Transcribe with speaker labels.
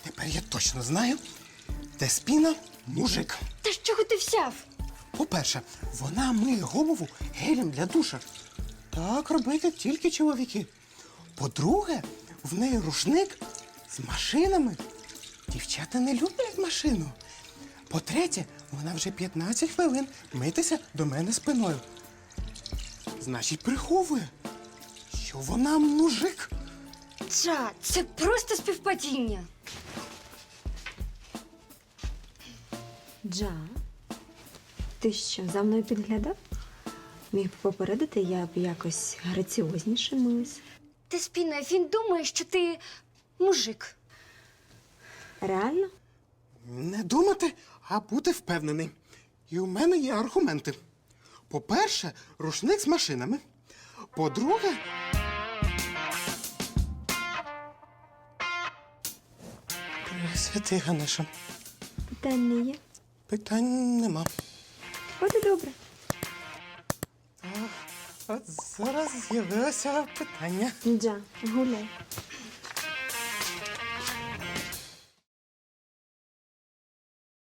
Speaker 1: Тепер я точно знаю, Деспіна – мужик.
Speaker 2: Та з чого ти взяв?
Speaker 1: По-перше, вона миє голову гелем для душа. Так робити тільки чоловіки. По-друге, в неї рушник з машинами. Дівчата не люблять машину. По-третє, вона вже 15 хвилин митися до мене спиною. Значить, приховує, що вона мужик.
Speaker 2: Джа, це просто співпадіння.
Speaker 3: Джа, ти що, за мною підглядав? Міг би попередити, я б якось граціозніше милась.
Speaker 2: Деспіна, він думає, що ти мужик.
Speaker 3: Реально?
Speaker 1: Не думати, а бути впевнений. І у мене є аргументи. По-перше, рушник з машинами. По-друге... Пресвятий Ганеша,
Speaker 3: Питань не є.
Speaker 1: питань нема.
Speaker 3: От і добре.
Speaker 1: От зараз з'явилося питання.
Speaker 3: Джа, гуляй.